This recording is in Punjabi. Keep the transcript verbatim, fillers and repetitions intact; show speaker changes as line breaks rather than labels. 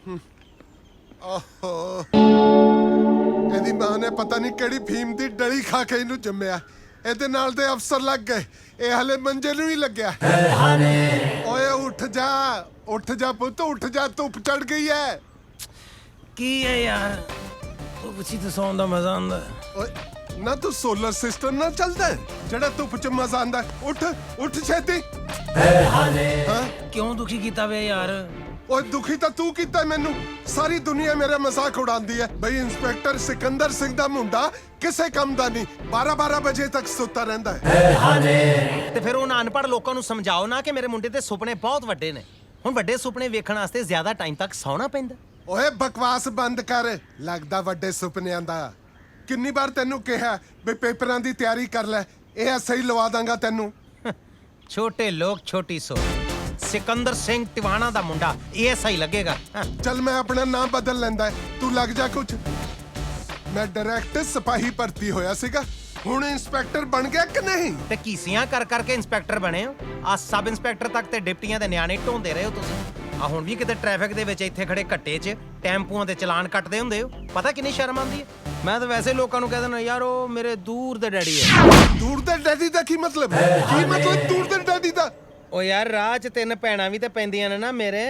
ਓਹੋ ਇਹਦੀ ਮਾਂ ਨੇ ਪਤਾ ਨਹੀਂ ਕਿਹੜੀ ਫੀਮ ਦੀ ਡਲੀ ਖਾ ਕੇ ਇਹਨੂੰ ਜੰਮਿਆ। ਇਹਦੇ ਨਾਲ ਦੇ ਅਫਸਰ ਲੱਗ ਗਏ, ਇਹ ਹਲੇ ਮੰਜੇ ਨੂੰ ਹੀ ਲੱਗਿਆ। ਓਏ ਉੱਠ ਜਾ, ਉੱਠ ਜਾ ਪੁੱਤ, ਉੱਠ ਜਾ, ਧੁੱਪ ਚੜ ਗਈ ਹੈ।
ਕੀ ਹੈ ਯਾਰ, ਧੁੱਪ 'ਚ ਤਾਂ ਸੌਣ ਦਾ ਮਜ਼ਾ ਆਉਂਦਾ।
ਓਏ ਨਾ ਤੂੰ ਸੋਲਰ ਸਿਸਟਮ ਨਾਲ ਚੱਲਦਾ ਜਿਹੜਾ ਧੁੱਪ 'ਚ ਮਜ਼ਾ ਆਉਂਦਾ। ਉੱਠ ਉੱਠ ਛੇਤੀ। ਹਾਂ
ਕਿਉਂ ਦੁਖੀ ਕੀਤਾ ਵੇ ਯਾਰ?
ਓਏ ਦੁਖੀ ਤਾਂ ਤੂੰ ਕੀਤਾ ਮੈਨੂੰ। ਸਾਰੀ ਦੁਨੀਆ ਮੇਰਾ ਮਜ਼ਾਕ ਉਡਾਉਂਦੀ ਹੈ ਬਈ ਇੰਸਪੈਕਟਰ ਸਿਕੰਦਰ ਸਿੰਘ ਦਾ ਮੁੰਡਾ ਕਿਸੇ ਕੰਮ ਦਾ ਨਹੀਂ, ਬਾਰਾਂ ਬਾਰਾਂ ਵਜੇ ਤੱਕ ਸੁੱਤਾ ਰਹਿੰਦਾ ਹੈ।
ਤੇ ਫਿਰ ਉਹਨਾਂ ਅਨਪੜ੍ਹ ਲੋਕਾਂ ਨੂੰ ਸਮਝਾਓ ਨਾ ਕਿ ਮੇਰੇ ਮੁੰਡੇ ਦੇ ਸੁਪਨੇ ਬਹੁਤ ਵੱਡੇ ਨੇ। ਹੁਣ ਵੱਡੇ ਸੁਪਨੇ ਵੇਖਣ ਵਾਸਤੇ ਜ਼ਿਆਦਾ ਟਾਈਮ ਤੱਕ ਸੌਣਾ ਪੈਂਦਾ।
ਓਏ ਬਕਵਾਸ ਬੰਦ ਕਰ, ਲੱਗਦਾ ਵੱਡੇ ਸੁਪਨਿਆਂ ਦਾ। ਕਿੰਨੀ ਵਾਰ ਤੈਨੂੰ ਕਿਹਾ ਬਈ ਪੇਪਰਾਂ ਦੀ ਤਿਆਰੀ ਕਰ ਲੈ, ਇਹ ਐਸਾ ਹੀ ਲਵਾ ਦਾਂਗਾ ਤੈਨੂੰ।
ਛੋਟੇ ਲੋਕ ਛੋਟੀ ਸੋਚ। ਸਿਕੰਦਰ ਸਿੰਘ ਟਿਵਾਣਾ ਦਾ ਮੁੰਡਾ ਇਹ ਸਹੀ ਲੱਗੇਗਾ।
ਚੱਲ ਮੈਂ ਆਪਣਾ ਨਾਮ ਬਦਲ ਲੈਂਦਾ, ਤੂੰ ਲੱਗ ਜਾ ਕੁਝ। ਮੈਂ ਡਾਇਰੈਕਟ ਸਿਪਾਹੀ ਭਰਤੀ ਹੋਇਆ ਸੀਗਾ, ਹੁਣ ਇੰਸਪੈਕਟਰ ਬਣ ਗਿਆ ਕਿ ਨਹੀਂ?
ਤੇ ਕੀਸੀਆਂ ਕਰ ਕਰਕੇ ਇੰਸਪੈਕਟਰ ਬਣੇ ਹੋ। ਆ ਸਬ ਇੰਸਪੈਕਟਰ ਤੱਕ ਤੇ ਡਿਪਟੀਆਂ ਦੇ ਨਿਆਣੇ ਢੋਂਦੇ ਰਹੇ ਹੋ ਤੁਸੀਂ। ਆ ਹੁਣ ਵੀ ਕਿਤੇ ਟ੍ਰੈਫਿਕ ਦੇ ਵਿੱਚ ਇੱਥੇ ਖੜੇ ਘੱਟੇ 'ਚ ਟੈਂਪੂਆਂ ਦੇ ਚਲਾਨ ਕੱਟਦੇ ਹੁੰਦੇ ਹੋ। ਪਤਾ ਕਿੰਨੀ ਸ਼ਰਮ ਆਉਂਦੀ ਹੈ? ਮੈਂ ਤਾਂ ਵੈਸੇ ਲੋਕਾਂ ਨੂੰ ਕਹਿ ਦਿੰਦਾ ਯਾਰ ਉਹ ਮੇਰੇ ਦੂਰ ਦੇ ਡੈਡੀ ਹੈ।
ਦੂਰ ਦੇ ਡੈਡੀ ਦਾ ਕੀ ਮਤਲਬ? ਕੀ ਮਤਲਬ ਦੂਰ ਦੇ ਡੈਡੀ ਦਾ?
ਉਹ ਯਾਰ ਰਾਹ 'ਚ ਤਿੰਨ ਭੈਣਾਂ ਵੀ ਤੇ ਪੈਂਦੀਆਂ ਨੇ ਨਾ ਮੇਰੇ।